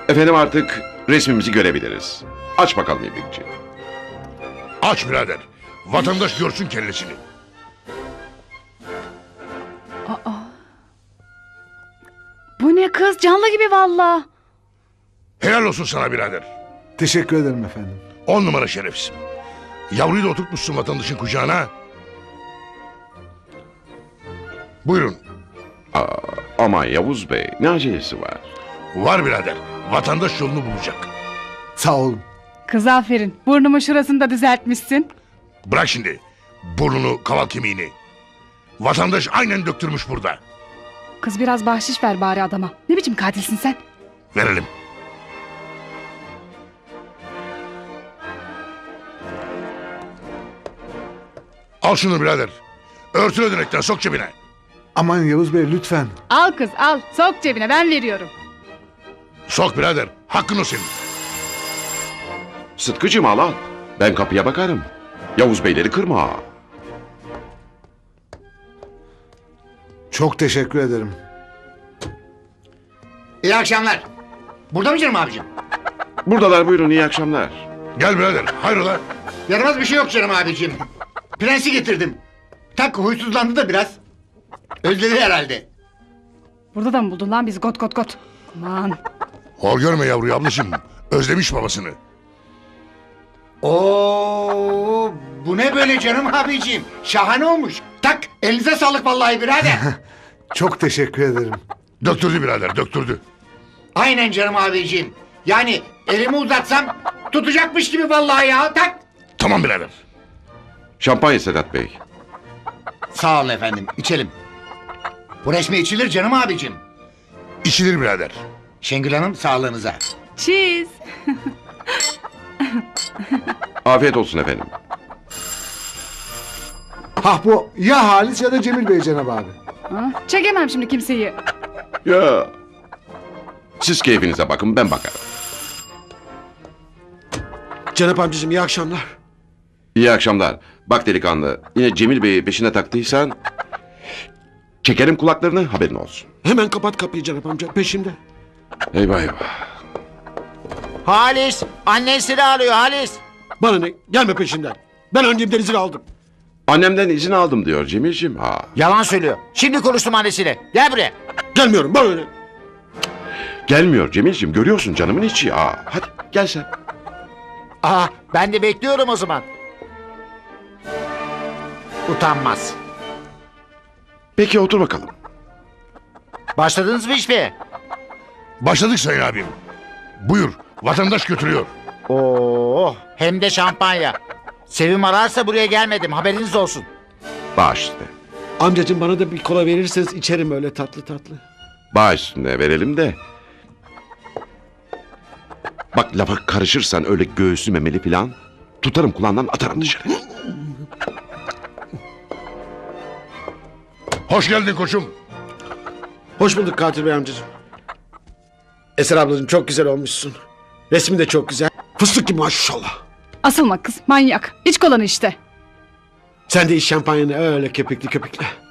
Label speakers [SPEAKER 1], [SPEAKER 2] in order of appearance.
[SPEAKER 1] Efendim artık resmimizi görebiliriz. Aç bakalım İbrikçi.
[SPEAKER 2] Aç birader. Vatandaş görsün kellesini.
[SPEAKER 3] Bu ne kız? Canlı gibi valla.
[SPEAKER 2] Helal olsun sana birader.
[SPEAKER 4] Teşekkür ederim efendim.
[SPEAKER 2] 10 numara şerefsin. Yavruyu da oturtmuşsun vatandaşın kucağına. Buyurun.
[SPEAKER 1] Aman Yavuz Bey, ne acelesi var?
[SPEAKER 2] Var birader. Vatandaş yolunu bulacak.
[SPEAKER 4] Sağ olun.
[SPEAKER 3] Kız aferin. Burnumu şurasını da düzeltmişsin.
[SPEAKER 2] Bırak şimdi. Burnunu, kaval kemiğini. Vatandaş aynen döktürmüş burada.
[SPEAKER 3] Kız biraz bahşiş ver bari adama. Ne biçim katilsin sen?
[SPEAKER 2] Verelim. Al şunu birader. Örtün ödenekten sok cebine.
[SPEAKER 4] Aman Yavuz Bey lütfen.
[SPEAKER 3] Al kız al. Sok cebine, ben veriyorum.
[SPEAKER 2] Sok birader. Hakkın o senin.
[SPEAKER 1] Sıtkıcığım al al. Ben kapıya bakarım. Yavuz Beyleri kırma.
[SPEAKER 4] Çok teşekkür ederim.
[SPEAKER 5] İyi akşamlar. Burada mı canım abicim?
[SPEAKER 1] Buradalar, buyurun, iyi akşamlar.
[SPEAKER 2] Gel birader. Hayrola?
[SPEAKER 5] Yaramaz bir şey yok canım abicim. Prensi getirdim. Tak huysuzlandı da biraz. Özledi herhalde.
[SPEAKER 3] Burada da mı buldun lan bizi got got got? Aman.
[SPEAKER 2] Hor görme yavruyu ablacığım. Özlemiş babasını.
[SPEAKER 5] Oo, bu ne böyle canım abicim? Şahane olmuş. Tak elinize sağlık vallahi birader.
[SPEAKER 4] Çok teşekkür ederim.
[SPEAKER 2] Döktürdü birader, döktürdü.
[SPEAKER 5] Aynen canım abicim. Yani elimi uzatsam tutacakmış gibi vallahi ya. Tak.
[SPEAKER 2] Tamam birader.
[SPEAKER 1] Şampanya Sedat Bey.
[SPEAKER 5] Sağ ol efendim, içelim. Bu resmi içilir canım abicim.
[SPEAKER 2] İçilir birader.
[SPEAKER 5] Şengül Hanım sağlığınıza.
[SPEAKER 3] Cheese.
[SPEAKER 1] Afiyet olsun efendim.
[SPEAKER 4] Hah bu ya Halis ya da Cemil Bey Cenab abi.
[SPEAKER 3] Ha, çekemem şimdi kimseyi.
[SPEAKER 1] Ya. Siz keyfinize bakın, ben bakarım.
[SPEAKER 6] Cenap amcacığım iyi akşamlar.
[SPEAKER 1] İyi akşamlar. Bak delikanlı, yine Cemil Bey'i peşine taktıysan... ...çekerim kulaklarını, haberin olsun.
[SPEAKER 6] Hemen kapat kapıyı Cenap amca, peşimde.
[SPEAKER 1] Eyvah eyvah.
[SPEAKER 7] Halis, annen seni arıyor Halis.
[SPEAKER 6] Bana ne, gelme peşinden. Ben annemden izin aldım.
[SPEAKER 1] Annemden izin aldım diyor Cemil'ciğim. Ha.
[SPEAKER 7] Yalan söylüyor. Şimdi konuştum annesiyle. Gel buraya.
[SPEAKER 6] Gelmiyorum, bana ne.
[SPEAKER 1] Gelmiyor Cemil'ciğim, görüyorsun canımın içi. Ha. Hadi gel sen.
[SPEAKER 7] Aa, ben de bekliyorum o zaman. Utanmaz.
[SPEAKER 1] Peki otur bakalım.
[SPEAKER 7] Başladınız mı işe?
[SPEAKER 2] Başladık sayın abim. Buyur, vatandaş götürüyor.
[SPEAKER 7] Oo, hem de şampanya. Sevim ararsa buraya gelmedim, haberiniz olsun.
[SPEAKER 1] Bağış üstüne.
[SPEAKER 6] Amcacığım bana da bir kola verirseniz içerim öyle tatlı tatlı.
[SPEAKER 1] Bağış üstüne verelim de. Bak lafa karışırsan öyle göğsü memeli falan... ...tutarım kulağından atarım dışarı.
[SPEAKER 2] Hoş geldin koçum.
[SPEAKER 6] Hoş bulduk katil bey amcacığım. Eser ablacığım çok güzel olmuşsun. Resmin de çok güzel. Fıstık gibi maşallah.
[SPEAKER 3] Asılma kız, manyak. İç kolanı işte.
[SPEAKER 6] Sen de iç şampanyanı öyle köpüklü köpüklü.